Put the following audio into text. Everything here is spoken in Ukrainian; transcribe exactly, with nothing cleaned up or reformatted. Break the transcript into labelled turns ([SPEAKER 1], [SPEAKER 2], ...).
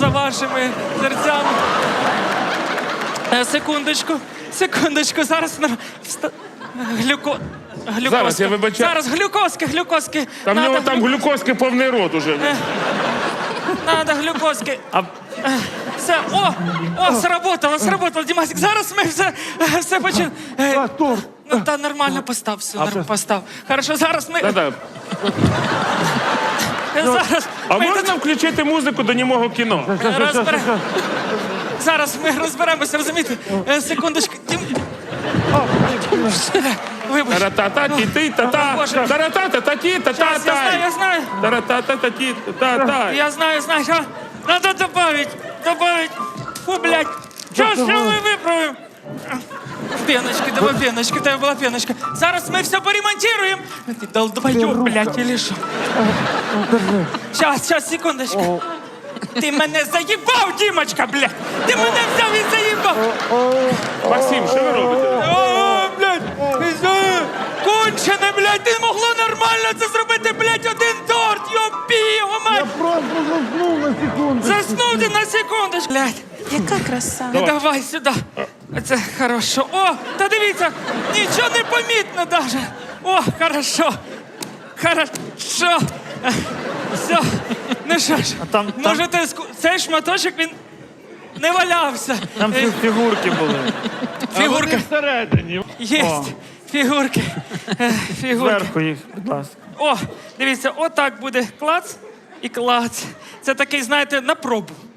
[SPEAKER 1] вашими серцями. Е, секундочку, секундочку, зараз... нар- вста- Глюко... Глюкозка.
[SPEAKER 2] Зараз, я вибачаю.
[SPEAKER 1] Зараз, глюкозки, глюкозки.
[SPEAKER 2] Та в нього
[SPEAKER 1] Надо
[SPEAKER 2] там
[SPEAKER 1] глю-
[SPEAKER 2] глюкозки повний рот уже.
[SPEAKER 1] Надо глюкозки.
[SPEAKER 3] А
[SPEAKER 1] Е, Все, о, о, сработало, сработало, Дімасик. Зараз ми все, е, все почнемо. Е,
[SPEAKER 4] торт.
[SPEAKER 1] Ну, та нормально постав, все, нормально постав. Хорошо, зараз ми...
[SPEAKER 2] Та-та.
[SPEAKER 1] е, Зараз
[SPEAKER 2] А
[SPEAKER 1] ми
[SPEAKER 2] можна включити музику до німого кіно?
[SPEAKER 1] розбере... Зараз ми розберемося, розумієте? Е, Секундочку. Дім... Вибач.
[SPEAKER 2] Таратата-ті-ти-та-та.
[SPEAKER 1] Боже.
[SPEAKER 2] Таратата-та-ті-та-та-та.
[SPEAKER 1] Я знаю, я знаю.
[SPEAKER 2] Таратата-та-ті-та-та.
[SPEAKER 1] Я знаю, знаю. А, надо добавить, добавить. Фу, блядь. Що ж ми виправимо? Пеночки, давай пеночки, тебе була пеночка. Зараз ми все поремонтируємо. Ти долбоёб, блядь, или що? Щас, щас, секундочку. Ти мене заїбав, Дімочка, блядь. Ти мене взяв і заїбав.
[SPEAKER 2] Максим, що ви робите?
[SPEAKER 1] О, блядь, пізде. Кончене, блядь, ти могло нормально це зробити, блядь, один торт, йопі, його мать.
[SPEAKER 4] Просто заснув на секунду.
[SPEAKER 1] Заснути на секундочку. Блядь.
[SPEAKER 5] Яка краса.
[SPEAKER 1] Давай, Давай сюди. Це хорошо. О, та дивіться, нічого не помітно даже. О, хорошо. Хорошо. Все. Ну що ж,
[SPEAKER 3] там- там-
[SPEAKER 1] можете... ску- Цей шматочок, він не валявся.
[SPEAKER 3] там
[SPEAKER 1] Е,
[SPEAKER 3] фі- фігурки були.
[SPEAKER 1] Фігурка.
[SPEAKER 4] Всередині.
[SPEAKER 1] Єсть. Фігурки. Е, Фігурки.
[SPEAKER 3] Зверху їх, будь ласка.
[SPEAKER 1] О, дивіться, отак буде клац і клац. Це такий, знаєте, на пробу.